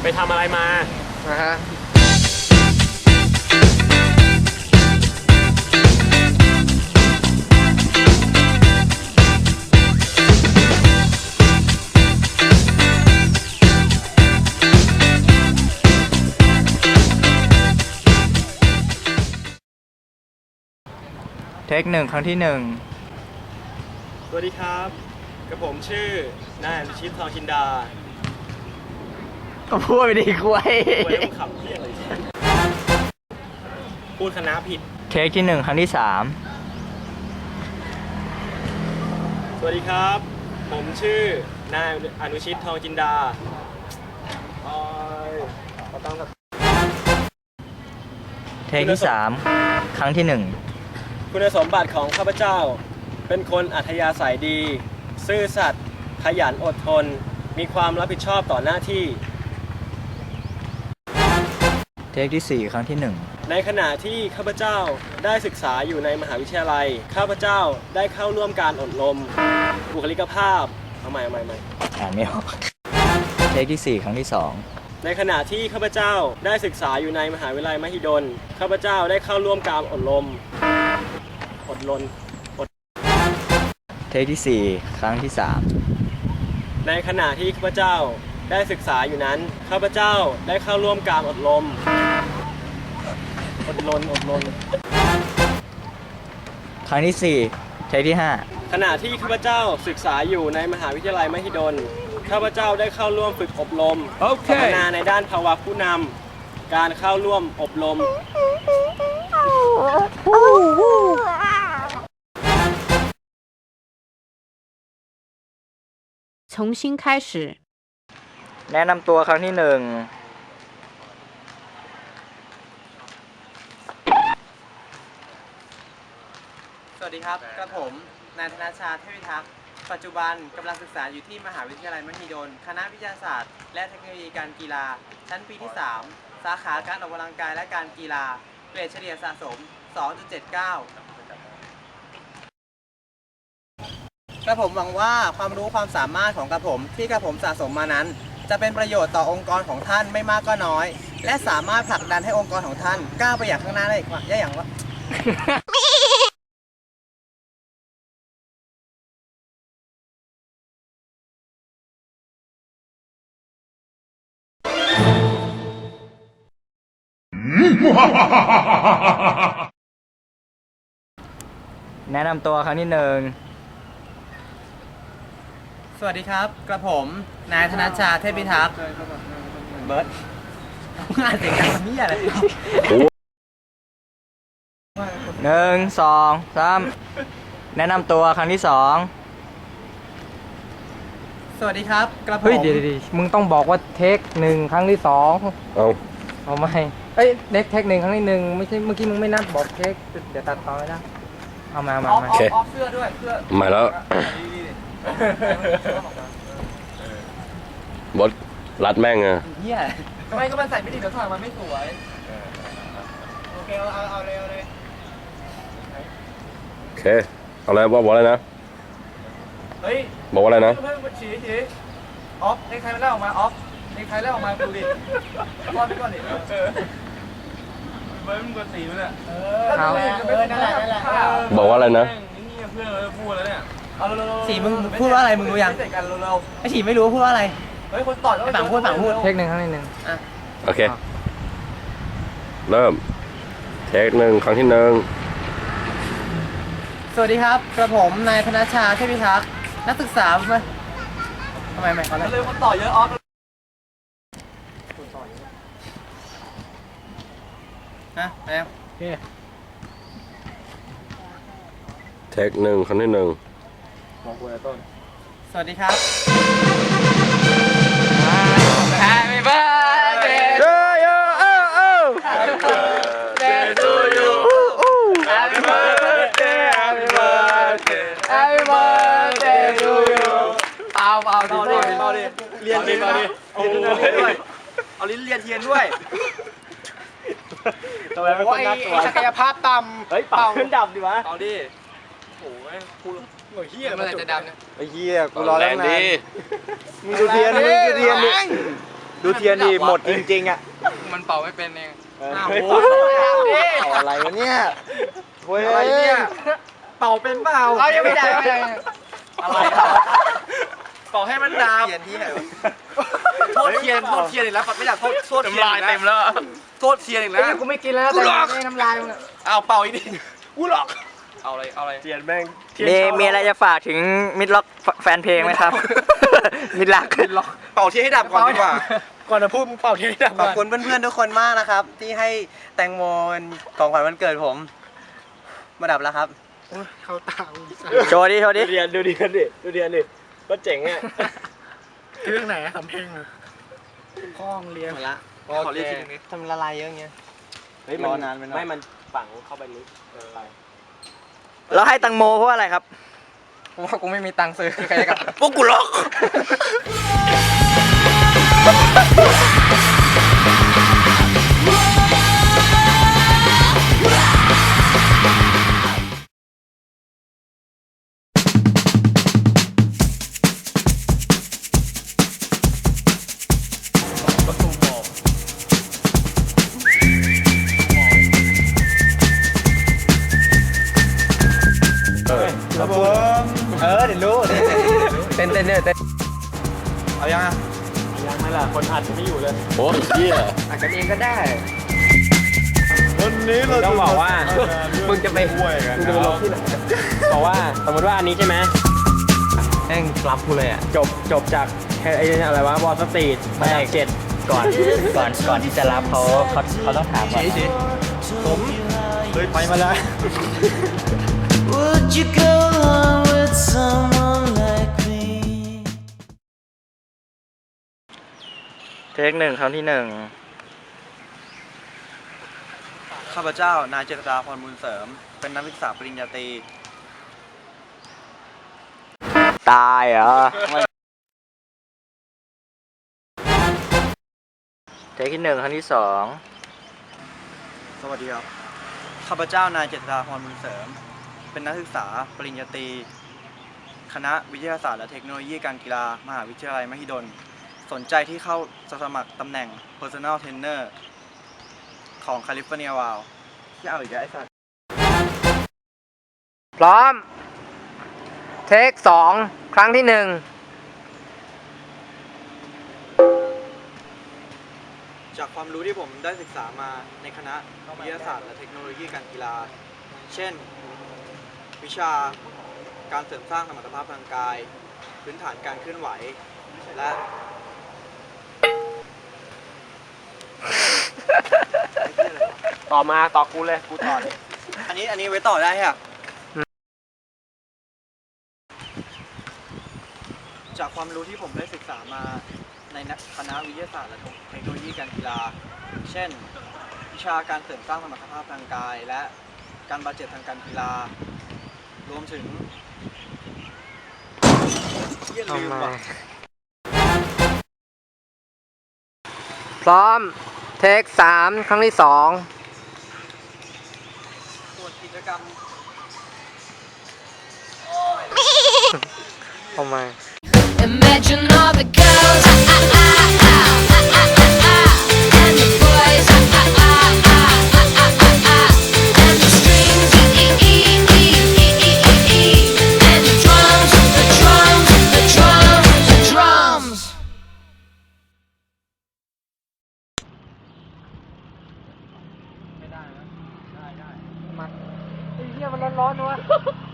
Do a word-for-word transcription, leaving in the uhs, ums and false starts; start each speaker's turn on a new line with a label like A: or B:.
A: ไปทำอะไรมา
B: นะฮะ
C: เทคหนึ่งครั้งที่หนึ่ง
A: สวัสดีครับกับผมชื่อนายอนุชิตทองจินดา
C: ก็พูดไปดีคุย
A: คุยต้องขับเพี้ยอะไรพูดคณะผิด
C: เทคที่หนึ่งครั้งที่สาม
A: สวัสดีครับผมชื่อนายอนุชิตทองจินดา
C: เทคที่สามครั้งที่หนึ่ง
A: คุณสมบัติของข้าพเจ้าเป็นคนอัธยาศัยดีซื่อสัตย์ขยันอดทนมีความรับผิดชอบต่อหน้าที่
C: เทคที่สี่ครั้งที่หนึ่ง
A: ในขณะที่ข้าพเจ้าได้ศึกษาอยู่ในมหาวิทยาลัยข้าพเจ้าได้เข้าร่วมการอบรมบุคลิกภาพเอาใหม่เอาใหม่ใหม่
C: อ่านไม่ออกเทคที่สี่ครั้งที่สอง
A: ในขณะที่ข้าพเจ้าได้ศึกษาอยู่ในมหาวิทยาลัยมหิดลข้าพเจ้าได้เข้าร่วมการอบรมอดรน
C: เทคที่สี่ครั้งที่สาม
A: ในขณะที่ข้าพเจ้าได้ศึกษาอยู่นั้นข้าพเจ้าได้เข้าร่วมการอบรมอดรนอดรน
C: ครั้งที่สี่เทคที่ห้า
A: ขณะที่ข้าพเจ้าศึกษาอยู่ในมหาวิทยาลัยมหิดลข้าพเจ้าได้เข้าร่วมฝึกอบรมพัฒนาในด้านภาวะผู้นำการเข้าร่วมอบรม
D: 重新开始
C: แนะนำตัวครั้งที่หนึ่ง
E: สวัสดีครับกระผมนายธนชาติเทพิทักษ์ปัจจุบันกำลังศึกษาอยู่ที่มหาวิทยาลัยมหิดลคณะวิทยาศาสตร์และเทคโนโลยีการกีฬาชั้นปีที่สามสาขาการออกกำลังกายและการกีฬาเกรดเฉลี่ยสะสม สองจุดเจ็ดเก้า กระผมหวังว่าความรู้ความสามารถของกระผมที่กระผมสะสมมานั้นจะเป็นประโยชน์ต่อองค์กรของท่านไม่มากก็น้อยและสามารถผลักดันให้องค์กรของท่านก้าวไปอย่างข้างหน้าได้ได้อย่างว่า
C: แนะนำตัวครั้งที่หนึ่ง
E: สวัสดีครับกระผมนายธนชาติเทพิทักษ์เบิร์ดงานเสียงดังมันนี่อะไร
C: หนึ่งสองสามแนะนำตัวครั้งที่สอง
E: สวัสดีครับกระผม
C: เฮ้ยเดี๋ยวมึงต้องบอกว่าเทคหนึ่งครั้งที่สอง
B: เอา
C: เอาไม่เอ้ยเน็กเทคหนึ่งครั้งที่หนึ่งไม่ใช่เมื่อกี้มึงไม่นับบอกเทคเดี๋ยวตัดต่อไม่ได้เอามามามา
E: โอเคออฟเสื้อด้วยเสื้อ
B: มาแล้วบดรัดแม่งอะ
E: เฮียทำไมก็มันใส่ไม่ดีเดี๋ยวถอดมันไม่สวยโอเคเอาเอาเอาเลยเอาเลย
B: โอเคเอาอะไรบอกบอกอะไรนะ
E: เฮ้ย
B: บอกว่าอะไรนะ
E: เพิ่มฉีฉีออฟเน็กไทมันเล่าออกมาออฟเน็กไทเล่าออกมาดูดิก้อนไปก่อนดิเบิร์ดมึงกดสีมันอ่ะเออเออนั่นแหละนั่นแหละ
B: บอกว่าอะไรนะ
A: นี่เพื่อนเราพูดแล้วเนี่ย
E: สีมึงพูดว่าอะไรมึงรู้ยังไอสีไม่รู้พูดว่าอะไรเฮ้ยคนต่อไอฝั่งพูดฝั่งพูด
C: เทคหนึ่งครั้งที่หนึ่ง
E: อ่ะ
B: โอเคเริ่มเทคหนึ่งครั้งที่หนึ่ง
E: สวัสดีครับกระผมนายธนชาติเทพิทักษ์นักศึกษาไหมทำไมไม่เขาเลยคนต่อเยอะออฟนะแล้วโอเค
B: เทคหนึ่งครั้งที่หนึ่ง
A: มองคุยต้น
E: สวัสดีครับ
C: Happy birthday to you oh oh Happy birthday to you Happy birthday Happy birthday Happy birthday to you เอาเอาดิ
E: เอาดิเรียนเทียนด้วยโอ้ยเอาลิ้นเรียนเทียนด้วย
A: ทำไมไม่คนน่ากลัว
E: ศักยภาพต่ำ
A: เฮ้ยเป่าขึ้นดับดิวะ
E: เอาดิ
A: โอ้ยคูหน่วยเฮีย
E: มันจะดำเนี่ย
B: ไอ้เฮียกูรอแล้วนานมึงดูเทียนมึงดูเทียนดิ
C: ดูเทียนดิหมดจริงๆอ่ะ
D: มันเป่าไม่เป็นเอง
C: อ้าว
A: เฮ้ย
C: โอ้ยเอาอะไรวะเนี่ยโอ้ยอะไรเนี่ยเป่าเป็นเปล่า
D: เอายังไม่ได้ไม่ได้
C: อะไรเป่าให้มันดับเทียนที่ไหนโทษเทียนโทษเทียนอีกแล้วปัดไม่อยากโทษโทษเทียน
D: น้ำลายเต็มแล้ว
C: โทษเทียนอีกแล้ว
D: กูไม่กินแล้วแต่ไม่น้ำลายมึง
C: เอาเป่าอีกดิกูหลอกเอาอะไรเอาอะไร
A: เทียนแม่งเทียน
E: มี
A: ชอบ
E: มีอะไรจะฝากถึงมิดล็อกแฟนเพลงไหมครับ มิดลัก
C: เป่าเทียนให้ดับก่อนดีกว่า
A: ก่อนจะพูดมึงเป่าเทียนให้ดับ
E: ขอบ
A: ก่อน
E: คุณเพื่อนๆทุกคนมากนะครับ ที่ให้แตงโมเป็นของขวัญวันเกิดผม มาดับแล้วครับ
D: เข้าตา
E: โชว์ดิโชว์
A: ดู
E: ดิ
A: เทียนดูเทียนดิดูเทียนดิก็เจ๋งอ่ะ
D: เรื่องไหนทำเพลงอะข้องเรียน
E: หมดละ
C: ขอเรียกทีนึงนิด
E: ทำละลายเยอะอย่างเงี้ย
A: เฮ้ย
E: รอนานไปหน่อย
A: ไม่มันฝังเข้าไปลึกเกินไป
E: แล้วให้แตังโมเพราะอะไรครับ
D: กูว่ากูไม่มีตังค์ซื้อใครกับ
E: พวกกูล็อก
C: ครับผมเออเดี๋ยวรู้
D: เต้นเต้นเนี่ยเต้น
C: เอายังอ่ะ
A: ยังไหมล่ะคนอัดจะไม่อยู่เลย
B: โอ้ยเหี้ย
D: อาจจะเองก็ได้
C: วันนี้เรา
A: ต้องบอกว่า
D: มึงจะไป
C: ห่วยกัน
A: มึงจะไปลงที่ไหนบอกว่าสมมติว่าอันนี้ใช่ไหม
E: แม่งรับกูเลยอ่ะ
A: จบจบจากไอ้อะไรวะบอลสตรีทมาจากเจ็ด
E: ก่อน ก่อน ก่อนที่จะรับเขาเขาเขาต้องถามก่อน
C: ผมเคยไปมาแล้ว
F: Would you go along with someone like me?
E: เทคหนึ่งครั้งที่หนึ่ง
C: ข้าพเจ้านายเจษฎาพรบุญเสริม เป็นนักศึกษาปริญญาตรี
E: ตายเหรอ เทคที่หนึ่งครั้งที่สอง
C: สวัสดีครับ ข้าพเจ้านายเจษฎาพรบุญเสริม เป็นนักศึกษาปริญญาตรี คณะวิทยาศาสตร์และเทคโนโลยีการกีฬามหาวิทยาลัยมหิดล สนใจที่เข้าสมัครตำแหน่ง Personal Trainer ของ California Wow ที่เอาอีกแล้วไอ้สัส
D: พร้อม เทคสองครั้งที่หนึ่ง
C: จากความรู้ที่ผมได้ศึกษามาในคณะวิทยาศาสตร์และเทคโนโลยีการกีฬา เช่น วิชาการเสริมสร้างสมรรถภาพทางกาย พื้นฐานการเคลื่อนไหว และ
A: ต่อมาต่อกูเลยกูต่อเลย
C: อันนี้อันนี้ไว้ต่อได้ค่ะ จากความรู้ที่ผมได้ศึกษามาในคณะวิทยาศาสตร์และเทคโนโลยีการกีฬา เช่น วิชาการเสริมสร้างสมรรถภาพทางกาย และการบาดเจ็บทางการกีฬา รวมถึงเหี้ยลืมว่ะ
D: พร้อม เทคสามครั้งที่สอง
C: ส่วนกิจกรรม
D: ทำไม
F: Imagine all the girls, ah, ah, ah, ah, ah, ah, ah, ah, and the boys, ah, ah, ah, ah, ah, ah, ah, ah, and the strings, e, e, e, e, e, e, e, e, and the drums, the drums, the drums, the drums.
D: ไอ้เหี้ยมันร้อนๆวะ